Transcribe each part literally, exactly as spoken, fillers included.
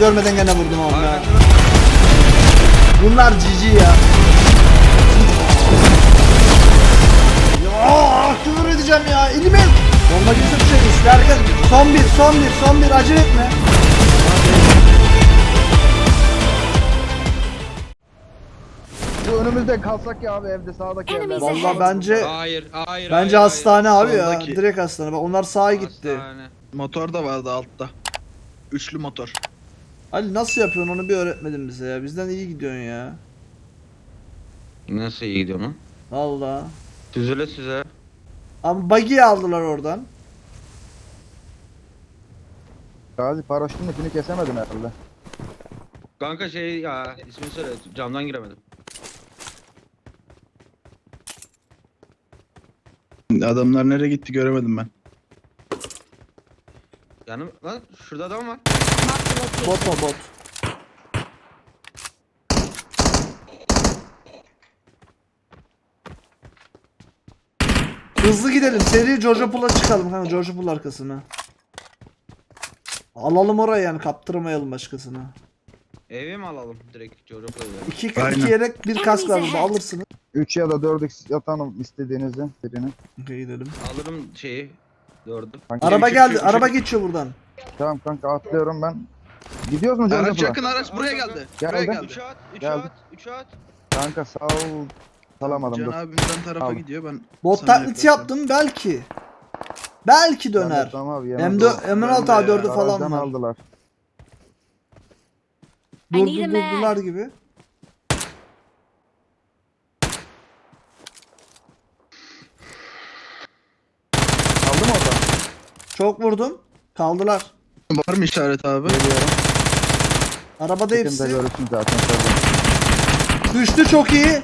görmeden gene vurdum onu ya. Bunlar cici ya. Ya küfür edeceğim ya. Elime bombacısı bir şey isterken son bir son bir son bir acele etme. Bu önümüzde kalsak ya abi evde sağdaki evler. Vallahi bence Hayır, hayır. bence hayır, hastane hayır. abi ya. Soldaki. Direkt hastane. Bak onlar sağa gitti. Hastane. Motor da vardı altta. Üçlü motor. Ali nasıl yapıyorsun onu bir öğretmedin bize ya. Bizden iyi gidiyorsun ya. Nasıl iyi gidiyor lan? Vallahi. Süzüle süze. Ama buggy'i aldılar oradan. Gazi paraşütün ipini kesemedin herhalde. Kanka şey ya ismini söyle camdan giremedim. Adamlar nereye gitti göremedim ben. Yanım lan şurada adam var. Bot o bot. Hızlı gidelim. Seri George Pool'a çıkalım. Kanka George Pool arkasına. Alalım orayı yani kaptırmayalım başkasına. Evi mi alalım direkt Coğrafya'ya? İki, Aynen. iki yelek bir kask var burada alırsınız. üç ya da dört x yatanım istediğinizi birini. Okey gidelim. Alırım şeyi. Gördüm. Kanka, Araba Çek, geldi. çek, Araba çek. geçiyor buradan. Tamam kanka atlıyorum ben. Gidiyoruz mu Araç George yakın Pool'a? araç buraya geldi. Gel, Buraya gel. geldi. Üç at, üç Geldi. at, üç at. Kanka sağ ol. Salamadım Can dur. abimden tarafa Al. gidiyor ben. Bot sana taklidi yaklaşıyorum. yaptım belki. Belki döner. Tamam abi M yemez dört, o. M on altı A dördü Garajdan falan var. aldılar. Durdu need a durdular gibi. Aldı mı orada? Çok vurdum. Kaldılar. Var mı işaret abi? Geliyorum. Arabada Kimde hepsi. görürsün zaten. Tabii. Düştü çok iyi.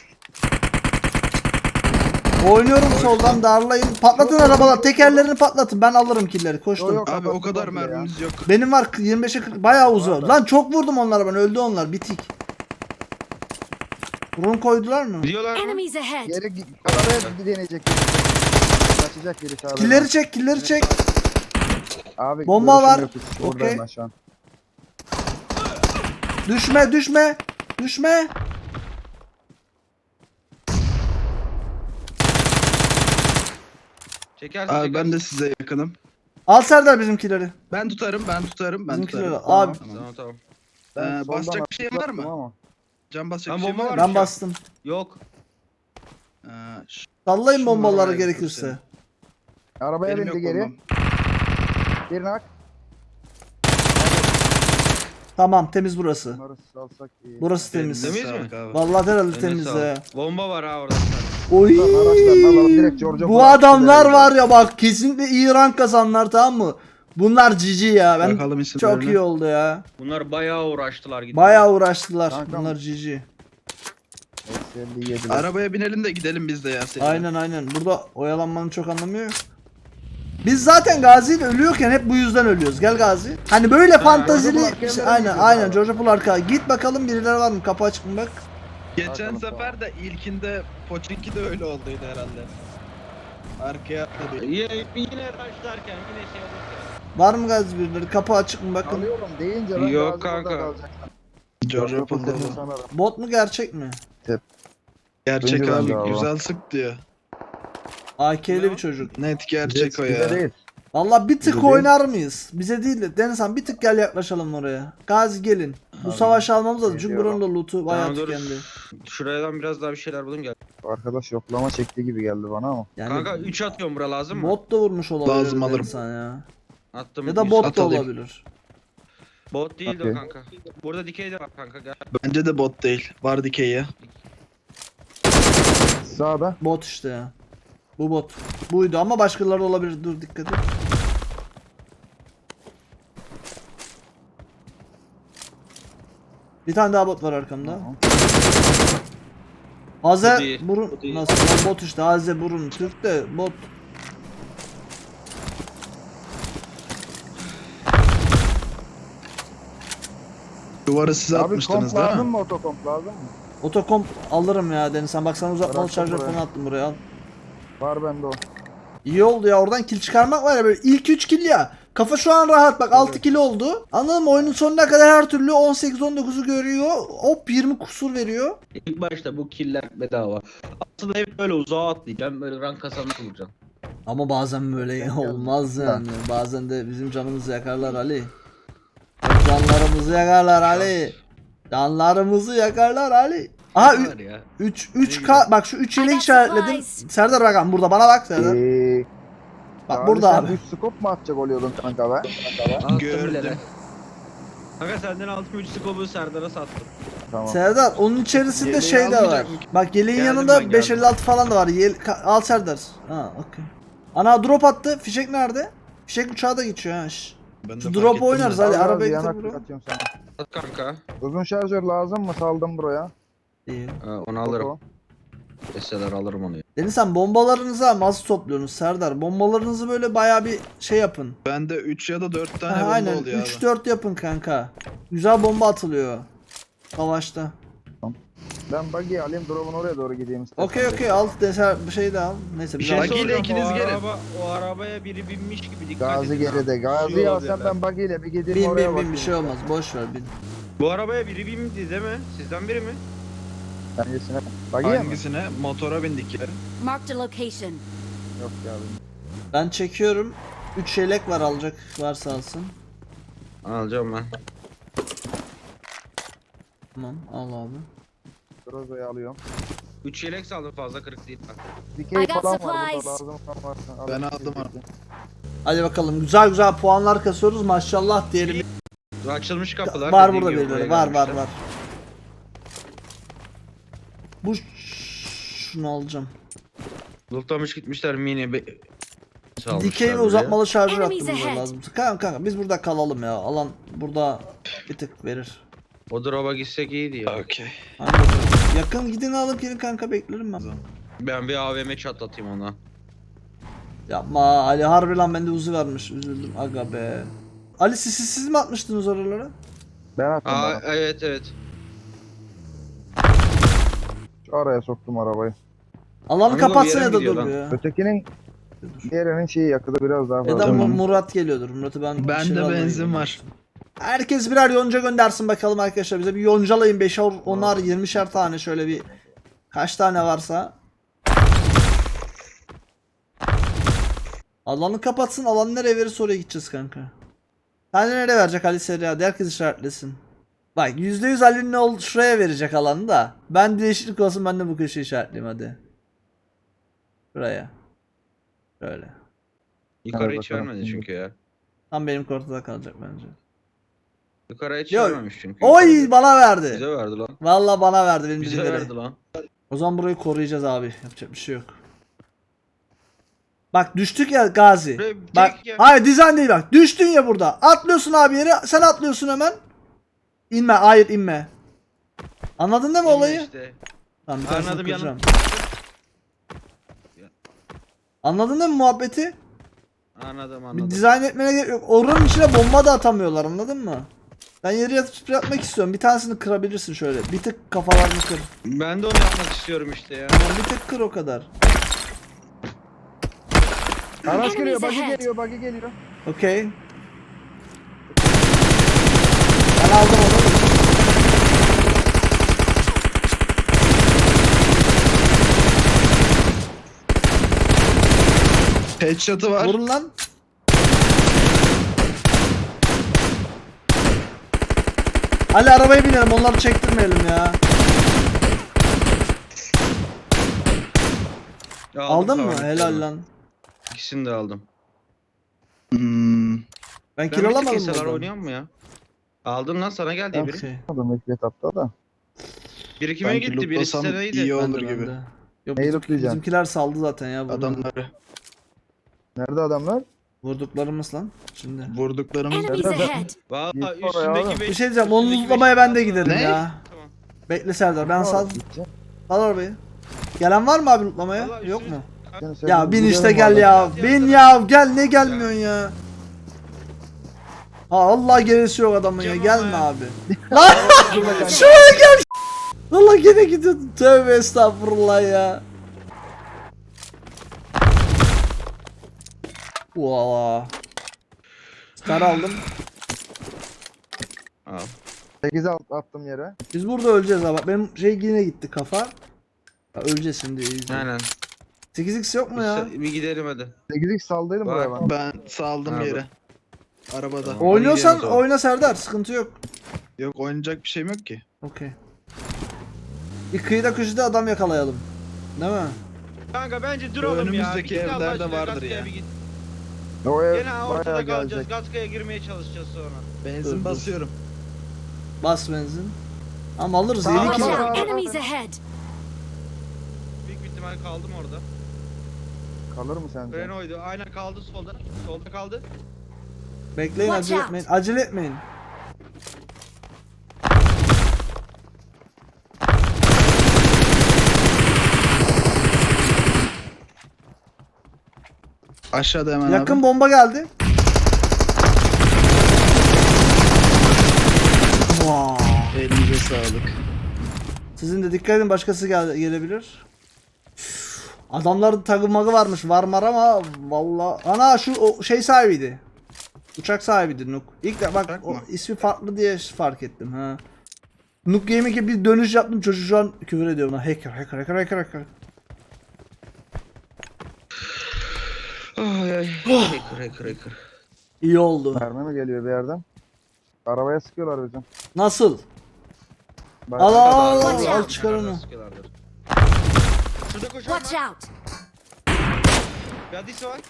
Oynuyorum soldan darlayın. Patlatın arabalar. Tekerlerini patlatın. Ben alırım killeri. Koştum. Yok, yok. Abi o kadar Kapatın komple mermimiz yok. Benim var yirmi beşe kırk bayağı uzun. Var da. Lan çok vurdum onlara ben. Öldü onlar. Bitik. Run koydular mı? Gidiyorlar mı? Enemies ahead. Geri gi- arabaya bir deneyecek. Kaçacak biri sağdan. Killeri çek, killeri çek. Abi Bomba görüşüm var. yok hiç. Okey. Buradayım ben şu an. Düşme, düşme. Düşme. Çekersin Abi çekersin. ben de size yakınım. Al Serdar bizimkileri. Ben tutarım ben tutarım ben Bizimkileri tutarım. al. Abi Tamam tamam. Ben Ee, soldan basacak bir şeyin var mı? atlattım ama. Can basacak Ben bir şey bomba var var. mı? ben bastım. Yok. Ee, ş- Sallayın Şunları bombaları var ya, gerekirse. Arabaya benim bindi yok geri. bombam. Bir nak. Tamam temiz burası. Bunları salsak iyi. Burası temiz. Temiz Elinize mi? sağlık abi. Vallahi herhalde Eline temiz sağlık. ya. Bomba var ha orada. Oy. Buradan araçlarını alalım, direkt George'a Bu bırak. adamlar Gidelim. var ya bak kesinlikle iyi rank kazanlar tamam mı? Bunlar cici ya. Ben Bakalım isimlerine. çok iyi oldu ya. Bunlar bayağı uğraştılar gitmeye. Bayağı uğraştılar. Kankam. Bunlar cici. elli yediler. Arabaya binelim de gidelim biz de ya. seninle. Aynen aynen. Burada oyalanmanın çok anlamı yok. Biz zaten Gazi ile ölüyorken hep bu yüzden ölüyoruz. Gel Gazi. Hani böyle fantazili George Pool bir şey- arkadan aynen gidiyor aynen abi. George Pool arka. Git bakalım birileri var mı? Kapı açık mı bak. Geçen Arkamız sefer de ilkinde Pochinki de öyle olduydu herhalde. Arkaya atladı. Yine, yine başlarken yine şey olurken. Var mı Gazi birileri? Kapı açık mı bakın. Alıyorum deyince ben Yok Gazi burada kanka. kalacak. George George Pool'da Pool'da da. sanırım. Bot mu gerçek mi? Gerçek Bence abi bence abi. güzel sık diyor. A K'li Ne bir o? çocuk. Net gerçek o Bize ya. değil. Valla bir tık Bize değil. oynar mıyız? Bize değil de Denizhan bir tık gel yaklaşalım oraya. Gazi gelin. Bu Abi, savaşı almamız lazım çünkü geliyorum. buranın da loot'u bayağı Tamam, dur. tükendi. Şuradan biraz daha bir şeyler bulayım gel. Arkadaş yoklama çektiği gibi geldi bana ama. Yani Kanka üç atıyorum bura lazım mı? bot da vurmuş olabilir Lazım, alırım. Denizhan ya. Attım. Ya da üç. bot at da alayım. olabilir. Bot değil de Okey. o kanka. Burada dikey de var kanka gel. Bence de bot değil. Var dikey ya. Sağda. Bot işte ya. Bu bot. Buydu ama başkaları da olabilir. Dur dikkat et. Bir tane daha bot var arkamda. Tamam. Aze Bu değil, burun bu değil. nasıl lan bot işte Aze burun Türk de bot. Duvarı siz Abi atmıştınız komp değil lazım mi? mı otokomp lazım mı? Otokomp alırım ya Deniz sen bak sana uzatmalı Bıraktım şarjör buraya. falan attım buraya al. Var bende o. İyi oldu ya oradan kill çıkarmak var ya böyle ilk üç kill ya. Kafa şu an rahat bak altı kilo oldu. Anladın mı? Oyunun sonuna kadar her türlü on sekiz on dokuzu görüyor. Hop yirmi kusur veriyor. İlk başta bu killer bedava. Aslında hep böyle uzağa atlayacağım. Böyle rank kazanmış olacağım. Ama bazen böyle olmaz yani. Bazen de bizim canımızı yakarlar Ali. Canlarımızı yakarlar Ali. Canlarımızı yakarlar Ali. Aha Ne var ya? üç üç K bak şu üç yelek işaretledim. Serdar bakalım burada bana bak Serdar. Eee... Bak burada abi. üç scope mu atacak oluyordun kanka be? Attım Gördüm. bilene. Kanka senden altım üç skobu Serdar'a sattım. Tamam. Serdar onun içerisinde Yeleği şey de var. almayacak mı? Bak yeleğin Geldim yanında ben, beş geldim. elli altı falan da var. Yel ka- al Serdar. Ha okey. Ana drop attı. Fişek nerede? Fişek uçağa da geçiyor ha. şş. Ben de Şu fark drop ettim oynarız de. hadi Al, al, arabaya yanak getir buraya. atıyorum sana. At kanka. Uzun şarjör lazım mı? Saldım buraya. İyi. Ha, onu alırım. Deseler alırım onu. Deniz sen bombalarınızı nasıl topluyorsunuz Serdar? Bombalarınızı böyle bayağı bir şey yapın. Bende üç ya da dört tane Ha, bomba aynen oluyor üç abi. dört yapın kanka. Güzel bomba atılıyor. Savaşta. Ben buggy'i alayım, drop'un oraya doğru gideyim istersen. Okey okey al deser bir şey de al. Neyse Bir bir şey şey Buggy ile soracağım. ikiniz o gelin. Araba, o arabaya biri binmiş gibi dikkat Gazi edin. ha. geride. Gazi'yi Suyu alsam olabilirler. ben buggy ile bir gideyim bin oraya bin bin bakayım. bir şey olmaz. Boş ver bin. Bu arabaya biri bindi değil mi? Sizden biri mi? Hangisine? Buggy'ye mi? Hangisine? Motora bindik ya. Marked a location. Yok ya. Ben çekiyorum. üç yelek var alacak varsa alsın. Alacağım ben. Tamam al abi. Grozo'yu alıyorum. üç yelek saldım fazla kırık değil. bak. Dikey I got falan var burada, supplies. lazım olan varsa. Ben alayım. aldım abi. Hadi bakalım güzel güzel puanlar kasıyoruz maşallah diyelim. Açılmış kapılar. Var dediğim burada gibi birileri buraya var var gelmişler. var. Bu şunu alacağım. Lootlamış gitmişler mini be... salmışlar Dikey ve buraya. uzatmalı şarjör Enemies attığımız ahead. lazım. Kanka, kanka biz burada kalalım ya. Alan burada bir tık verir. O drop'a gitsek iyiydi ya. Okey. Hadi. Yakın gidin alıp gelin kanka beklerim ben. Ben bir A V M çatlatayım ona. Yapma Ali harbi lan bende uzu varmış. Üzüldüm aga be. Ali siz, siz, siz mi atmıştınız oralara? Ben attım Aa bana. evet evet. Şu araya soktum arabayı. Alanı Amigo bir kapatsın yere ya mi da gidiyor dur lan? ya. Ötekinin diğerinin şeyi yakıtı biraz daha Ya fazla. da Tamam. Murat geliyordur. Murat'ı ben bir Bende şeyler alayım. benzin var. Herkes birer yonca göndersin bakalım arkadaşlar. Bize bir yoncalayın beşer, onar, yirmişer tane şöyle bir kaç tane varsa. Alanı kapatsın. Alanı nereye verirse oraya gideceğiz kanka. Sen de nereye verecek Ali Seri hadi herkes işaretlesin. Bak yüzde yüz Ali'nin ol şuraya verecek alanı da. Ben değişiklik olsun ben de bu köşeyi işaretleyeyim hadi. Şuraya. Şöyle. Yukarı Hadi hiç bakalım. vermedi çünkü ya. Tam benim kortada kalacak bence. Yukarı hiç Yo. vermemiş çünkü. Oy Yukarı- bana verdi. Bize verdi lan. Vallahi bana verdi benim Bize birileri. verdi lan. O zaman burayı koruyacağız abi. Yapacak bir şey yok. Bak düştük ya Gazi. Buraya Bak çek ya. hayır dizayn değil bak. Düştün ya burada. Atlıyorsun abi yere. Sen atlıyorsun hemen. İnme. Hayır inme. Anladın değil mi olayı? İşte. Tamam, bir tanesini Anladım, kıracağım. yanım. Anladın değil mi muhabbeti? Anladım Bir anladım. dizayn etmene gerek yok. Oranın içine bomba da atamıyorlar anladın mı? Ben yere yatıp sprey atmak istiyorum. Bir tanesini kırabilirsin şöyle. Bir tık kafalarını kır. Ben de onu yapmak istiyorum işte ya. Tamam bir tık kır o kadar. Araç geliyor, buggy ahead. geliyor, buggy geliyor. Okey. Ben aldım onu. Headshot'ı var. Vurun lan. Ali arabaya binelim onları çektirmeyelim ya. Ya Aldın mı? tamam, Helal tamam. lan. İkisini de aldım. Hmm. Ben Ben kill bir tek alamadım keseler buradan. oynayan mı ya? Aldın lan sana geldi biri. Okey. Adam ilk etapta da. Biri kime Sanki gitti? Birisi lootlasam seneydi. iyi Ben olur de, ben gibi. de. Yok, Neyi bizim- lootlayacaksın? bizimkiler saldı zaten ya. Bunu. Adamları Nerede adamlar? Vurduklarımız lan. Şimdi. vurduklarımız. Enemies Nerede? ahead. Valla Git oraya üstündeki abi. beş. Bir şey diyeceğim. Onu üstündeki lootlamaya beş- ben de giderim Ne? ya. Tamam. Bekle Serdar ben sal. Gideceğim. Sal arabayı. Gelen var mı abi lootlamaya? Vallahi Yok üstüne- mu? Seni Ya sevdim, bin işte gidelim gel vallahi. ya. Ya, Bin ya. ya. Gel ne gelmiyorsun ya. Ha Allah gerisi yok adamın ya. Canım Gelme ya. abi. Lan şuraya gel. Valla gene gidiyordun. Tövbe estağfurullah ya. Valla. Star aldım. Al. sekiz alt attım yere. Biz burada öleceğiz abi. Benim şey yine gitti kafa. Ya öleceğiz şimdi. iyice. Aynen. sekiz x yok mu ya? Bir gidelim hadi. sekiz x saldıydım Var. buraya ben. Ben saldım Abi. yere. Arabada. Tamam. Oynuyorsan Hadi gidelim o oyna Serdar. Sıkıntı yok. zaman. Yok oynayacak bir şeyim yok ki. Okey. Bir kıyıda köşede adam yakalayalım. Değil mi? Kanka bence duralım ya. Önümüzdeki Bir git Allah evlerde aşkına, vardır Gatka'ya ya. bir git. O ev Gene ortada bayağı kalacağız. gelecek. Gatka'ya girmeye çalışacağız sonra. Benzin Dur, dur. basıyorum. Bas benzin. Ama alırız. Tamam, yedi tamam. kilo. Aa, Enemies ahead! Büyük bir ihtimal kaldım orada. Kalır mı sence? Renault'ydu. Aynen kaldı solda. Solda kaldı. Bekleyin, Watch acele out. etmeyin. Acele etmeyin. Aşağıda hemen Yakın abi. bomba geldi. Wow. Elinize sağlık. Sizin de dikkat edin, başkası gel gelebilir. Üf, adamların tagı magı varmış, varmar ama valla. Ana şu o şey sahibiydi. Uçak sahibiydi Nuk. İlk de bak Uçak o mı? ismi farklı diye fark ettim ha. Nuk Gaming'e bir dönüş yaptım, çocuk şu an küfür ediyor buna. Hacker, hacker, hacker, hacker, hacker. Ay ay. Hacker hacker hacker. İyi oldu. Mermi mi geliyor bir yerden? Arabaya sıkıyorlar bizim. Nasıl? Bayağı- Al al al, Watch al, al out. çıkar onu. Sıkıyorlardır. Şurada koşan Watch var. out! Bir hadisi var.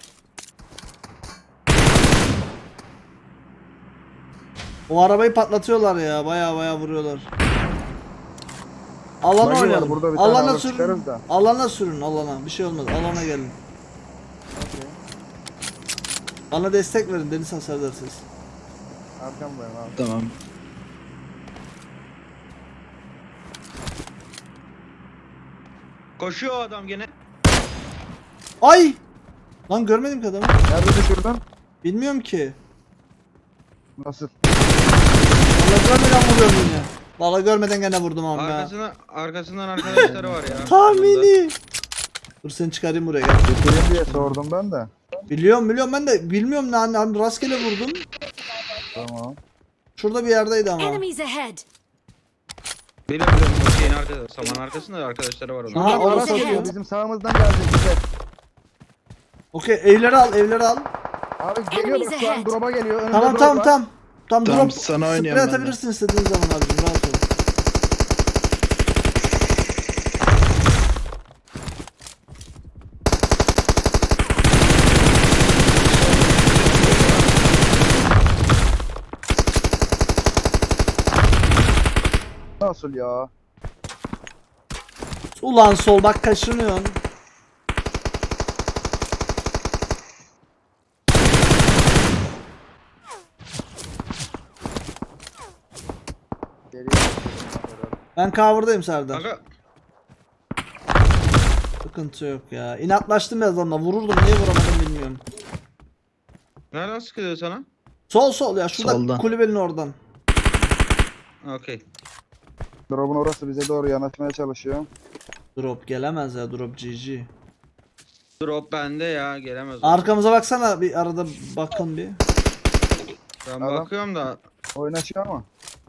O arabayı patlatıyorlar ya, baya baya vuruyorlar. Alana Bagi var, oynayalım. burada bir tane Alana alır sürün. çıkarız da. Alana sürün, alana. Bir şey olmaz. Alana gelin. Okey. Bana destek verin Deniz Hasardar siz. Arkamdayım abi. Tamam. Koşuyor o adam gene. Ay! Lan görmedim ki adamı. Nerede düşürdün? Bilmiyorum ki. Nasıl? Valla görmeden vuruyorum yine. Valla görmeden gene vurdum ama ya. Arkasına, arkasından arkadaşları var ya. Tahmini. Dur seni çıkarayım buraya gel. Düşüreyim diye sordum ben de. Biliyorum biliyorum, ben de bilmiyorum lan, hani rastgele vurdum. Tamam. Şurada bir yerdeydi ama. Enemies ahead! Benim biliyorum bu şeyin arkasında. Saman arkasında arkadaşları var onun. Aha, Şuradan orası araç atıyor. geliyor. Bizim sağımızdan gelecek bize. Okey, evleri al, evleri al. Abi geliyor bak şu an ahead. drop'a geliyor. Önümde Tamam drop tamam var. tamam. Tamam, Tamam, drop. sana Sprey oynuyorum ben de. atabilirsin istediğin zaman abicim, rahat ol. Nasıl ya? Ulan sol bak, kaşınıyorsun. Geriye gidiyorum. Ben cover'dayım Serdar. Kanka Sıkıntı yok ya. İnatlaştım biraz onunla. Vururdum, niye vuramadım bilmiyorum. nereden sıkılıyor sana? Sol sol ya, şurada Soldan. kulübenin oradan. Okey. Drop'un orası bize doğru yanaşmaya çalışıyor. Drop gelemez ya, drop G G. Drop bende ya gelemez. o. Arkamıza baksana bir, arada bakın bir. Ben Adam- bakıyorum da Oynaşıyor ama.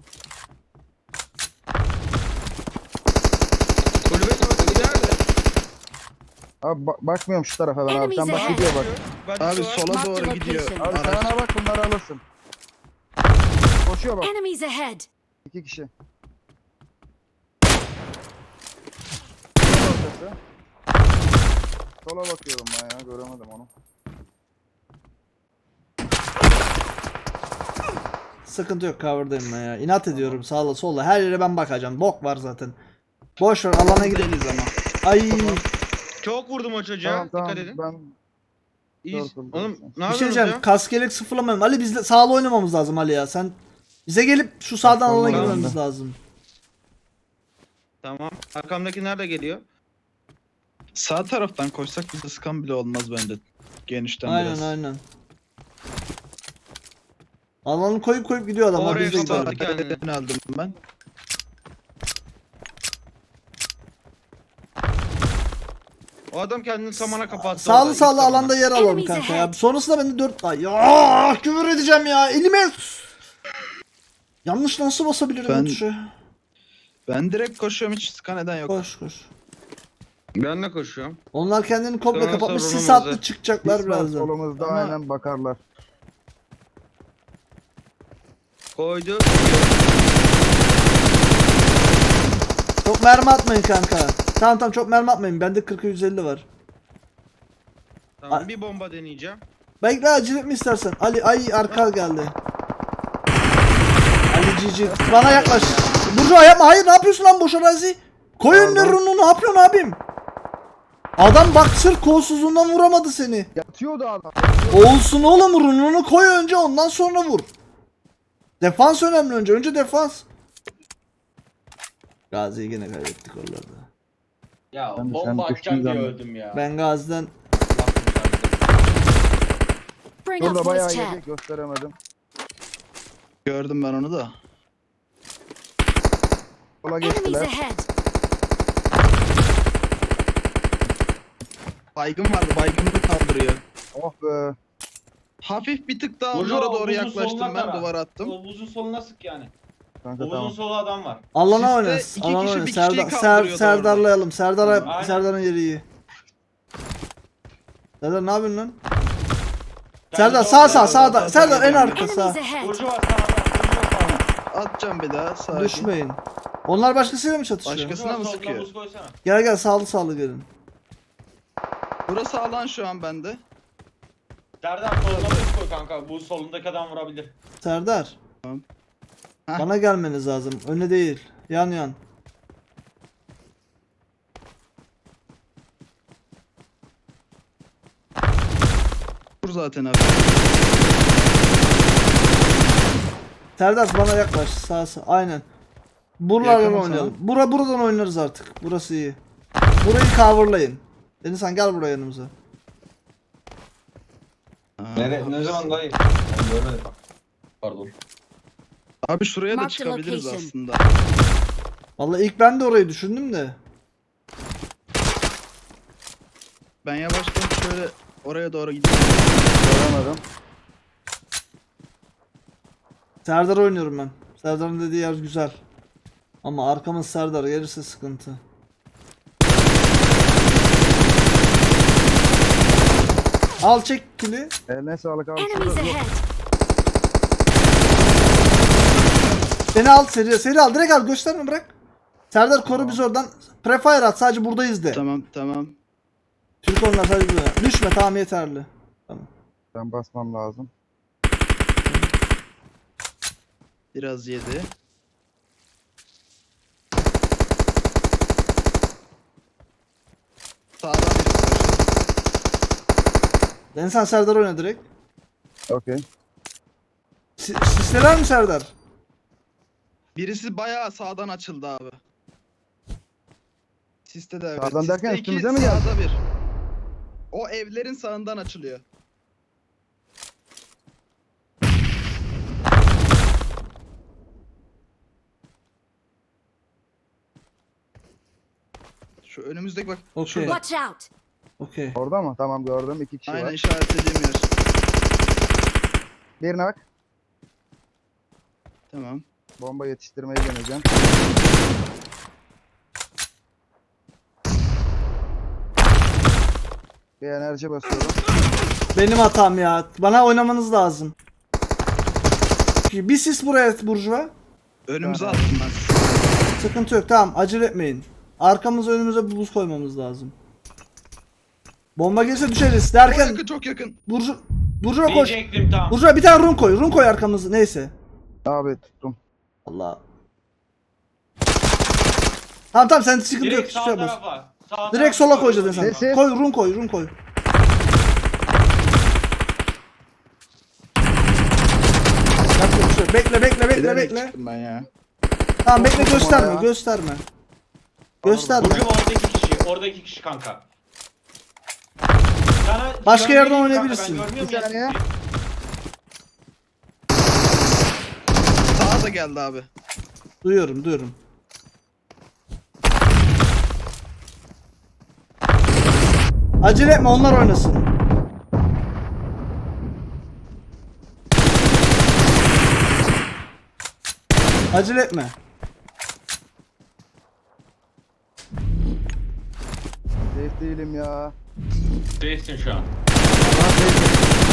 kulübe orada giderdi. Abi ba- bakmıyorum şu tarafa ben abi. Sen Enemies bak ahead. gidiyor bak. Badisi Abi var. sola Mark the doğru gidiyor. location. Abi Araç. sağına bak, bunları alırsın. Koşuyor bak. Enemies ahead! İki kişi. Sola ortası. Sola bakıyorum ben ya, göremedim onu. Sıkıntı yok, cover'dayım ben ya. İnat ediyorum sağla sola. Her yere ben bakacağım. Bok var zaten. Boş ver, alana gidelim. Deniz ama. Ay. Çok vurdum o çocuğa. Tamam tamam, Dikkat edin. ben İyi. Dört vurdum. Oğlum ne Bir şey yapıyorsunuz diyeceğim. ya? Kaskelek sıfırlamayalım. Ali bizle sağla oynamamız lazım Ali ya. Sen bize gelip şu sağdan alana Tamam, girmemiz tamam. lazım. Tamam. Arkamdaki nerede geliyor? Sağ taraftan koşsak bize sıkan bile olmaz bence. Genişten Aynen biraz. aynen. Alanı koyup koyup gidiyor adamlar. Oraya Biz de kapattı gidelim. kendini. Ben aldım ben. O adam kendini samana kapattı. Sağlı orada, sağlı ilk samana. alanda yer alalım Enemies kanka ya. ahead. Sonrasında ben de dört... Ay ya küfür edeceğim ya. Elime... Yanlış nasıl basabilirim Ben- bu tuşa? Ben direkt koşuyorum, hiç sıkan eden yok. Koş koş. Ben de koşuyorum. Onlar kendini komple Sonra kapatmış. Sis sorunumuz attı var. çıkacaklar Biz var birazdan. solumuzda Ama- aynen bakarlar. Koydu. Çok mermi atmayın kanka. Tamam tamam çok mermi atmayın. Bende kırk yüz elli var. Tamam Ay- bir bomba deneyeceğim. Bekle acele mi istersen? Ali ay arka geldi. Ali cici bana yaklaş. Burcu yapma. Hayır ne yapıyorsun lan boş arazi? Koy önüne Pardon. rununu ne yapıyorsun abim? Adam bak sırf kolsuzluğundan vuramadı seni. Yatıyordu adam. Olsun oğlum rununu koy önce ondan sonra vur. Defans önemli önce. Önce defans. Gazi'yi gene kaybettik oralarda. Ya Ben de sen bomba düştüğün atacağım diye zaman- öldüm ya. Ben Gazi'den Bring up Burada bayağı voice yedi chat. gösteremedim. Gördüm ben onu da. Sola Enemies geçtiler. ahead. Baygın vardı, baygınını kaldırıyor. Oh be. Hafif bir tık daha Burcu, onlara doğru omuzun yaklaştım, soluna ben tara. duvar attım. O buzun soluna sık yani. Kanka O tamam. buzun solu adam var. Alana Sizde oynasın. iki Alana kişi oynasın. bir kişiyi Serdar, Ser, kaldırıyordu Serdar'layalım. Serdar, Aynen. Serdar'ın yeri iyi. Serdar ne yapıyorsun lan? Serdar sağ sağ sağda. Serdar en arka sağ. Enemies ahead. Burcu var sağda. Burcu var sağda. Atacağım bir daha, sakin. Düşmeyin. Onlar başkasıyla mı çatışıyor? Başka- Burcu var, mı soluna sıkıyor? buz koysana. Gel gel sağlı sağlı gelin. Burası alan şu an bende. Serdar soluna buz koy kanka. Bu solundaki adam vurabilir. Serdar. Tamam. Heh. Bana gelmeniz lazım. Öne değil. Yan yan. Dur zaten abi. Serdar bana yaklaş. Sağ sağ. Aynen. Buralardan Yakınım oynayalım. Bura buradan oynarız artık. Burası iyi. Burayı coverlayın. Denizhan gel buraya yanımıza. Aa, Nere, ne zaman dayı? Ben görmedim bak. Pardon. Abi şuraya da Mark the çıkabiliriz location. aslında. Vallahi ilk ben de orayı düşündüm de. Ben yavaştan şöyle oraya doğru gideyim. Göremedim. Serdar oynuyorum ben. Serdar'ın dediği yer güzel. Ama arkamız Serdar gelirse sıkıntı. Al çek kili. Eline sağlık abi. Enemies Şurada- ahead. Beni al seri seri al direkt al gösterme bırak. Serdar koru biz oradan. Prefire at sadece buradayız de. Tamam tamam. Türk onlar sadece burada. Düşme tamam yeterli. Tamam. Ben basmam lazım. Biraz yedi. Sağdan birisi koştu. Denizhan Serdar oyna direkt. Okey. Si sisleler mi Serdar? Birisi bayağı sağdan açıldı abi. Siste de evet. Sağdan Siste derken iki, üstümüze mi geldi? Sağda bir. O evlerin sağından açılıyor. Şu önümüzdeki bak. Okey. Şurada. Watch out. Okey. Orada mı? Tamam gördüm. İki kişi Aynen var. işaretlediğim yer. Birine bak. Tamam. Bomba yetiştirmeyi deneyeceğim. Bir enerji basıyorum. Benim hatam ya. Bana oynamanız lazım. Bir sis buraya Burjuva. Önümüze Yani. attım ben. Sıkıntı yok tamam acele etmeyin. Arkamıza önümüze bir buz koymamız lazım. Bomba gelirse düşeriz Çok derken yakın, çok yakın. Burju Burjuva koş. Diyecektim tamam. Burjuva bir tane run koy. Run koy arkamızı neyse. Abi tuttum. Allah. Tamam tamam sen sıkıntı yok. Direkt Hiçbir sağ şey yapmaz. tarafa. Sağ Direkt tarafa sola koyacağız koy. sen. Sesi. Koy run koy run koy. Yapacak bir şey yok. Bekle bekle bekle Bilerek bekle. çıktım ben ya. Tamam bekle Korktum gösterme ama ya. gösterme. Gösterme. Burcu oradaki kişi. Oradaki kişi kanka. Sana Başka görmeyeyim yerden kanka, oynayabilirsin. ben görmüyorum Bir ya saniye. sizi. Sağa da geldi abi. Duyuyorum duyuyorum. Acele etme, onlar oynasın. Acele etme. Safe değilim ya. Değilsin şu an. Lan safe.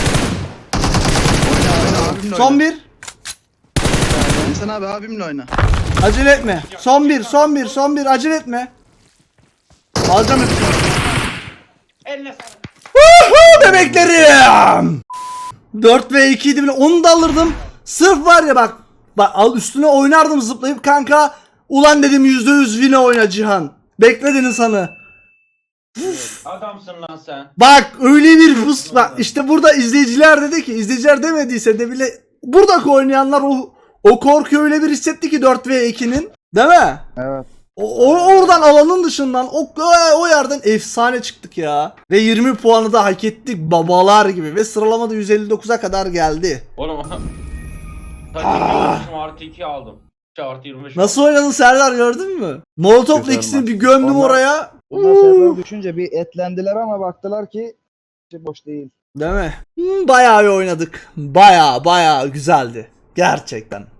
Oyna oyna abimle Son oyna. bir. Sen abi abimle oyna. Acele etme. Son bir, son bir, son bir. Acele etme. Alacağım hepsini. Eline sağlık. Woohoo bebeklerim. dört ve iki idi bile. Onu da alırdım. Sırf var ya bak. Bak al üstüne oynardım zıplayıp kanka. Ulan dedim yüzde yüz win oyna Cihan. Bekledin insanı. Adamsın lan sen. Bak öyle bir fıs. Bak işte burada izleyiciler dedi ki, izleyiciler demediyse de bile buradaki oynayanlar o o korkuyu öyle bir hissetti ki dört ve ikinin. Değil mi? Evet. O, o- oradan alanın dışından o, o yerden efsane çıktık ya. Ve yirmi puanı da hak ettik babalar gibi. Ve sıralamada yüz elli dokuza kadar geldi. Oğlum. Tabii olmuşum artı iki aldım. İşte artı yirmi beş. Nasıl oynadın Serdar, gördün mü? Molotov'la Güzel ikisini maç. bir gömdüm Onlar- oraya. Bunlar server düşünce bir etlendiler ama baktılar ki şey boş değil. Değil mi? Hmm, bayağı iyi oynadık. Bayağı bayağı güzeldi. Gerçekten.